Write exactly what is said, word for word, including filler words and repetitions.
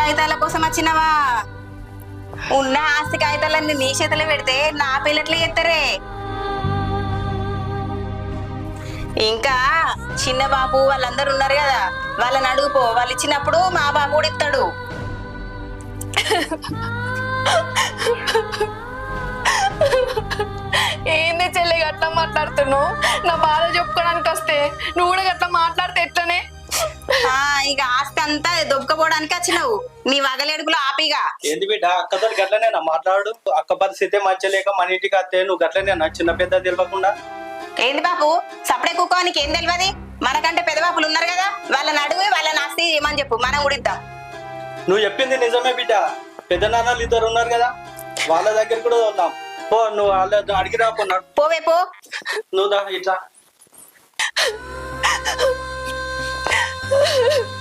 కాగితాల కోసం వచ్చినవా? ఉన్న ఆస్తి కాగితాలన్నీ నీ చేతిలో పెడితే నా పిల్లట్లే ఎత్తరే. ఇంకా చిన్న బాబు వాళ్ళందరూ ఉన్నారు కదా, వాళ్ళని అడుగుపో. వాళ్ళు ఇచ్చినప్పుడు మా బాబు కూడా ఇస్తాడు. ఏంది చెల్లి గట్లా మాట్లాడుతున్నావు? నా బాధ చెప్పుకోవడానికి వస్తే నువ్వు కూడా గట్లా మాట్లాడితే ఎట్లనే? ఆ ఇక ఆస్తి అంతా దొబ్బకపోవడానికి వచ్చినావు. నీ వగలేడుపులో ఆపిగా. ఏంది బిడ్డ అక్కతో గట్లనేనా మాట్లాడు? అక్క పరిస్థితి మంచి లేక మన ఇంటికి వస్తే నువ్వు గట్లనేనా చిన్న పెద్ద తెలియకుండా? ఏంది బాబు సపడే కుక్కోనికి ఏం తెలియదు? మనకంటే పెద్ద బాపులు ఉన్నారు కదా, వాళ్ళని అడుగు, వాళ్ళని ఆస్తి ఏమని చెప్పు, మనం ఉడిద్దాం. నువ్వు చెప్పింది నిజమే బిడ్డ. పెద్ద నాన్నలు ఇద్దరు ఉన్నారు కదా, వాళ్ళ దగ్గర కూడా వద్దాం. పో, నువ్వు వాళ్ళ అడిగి రాకున్నాడు. పోవే పో. నువ్వు దా ఇట్లా.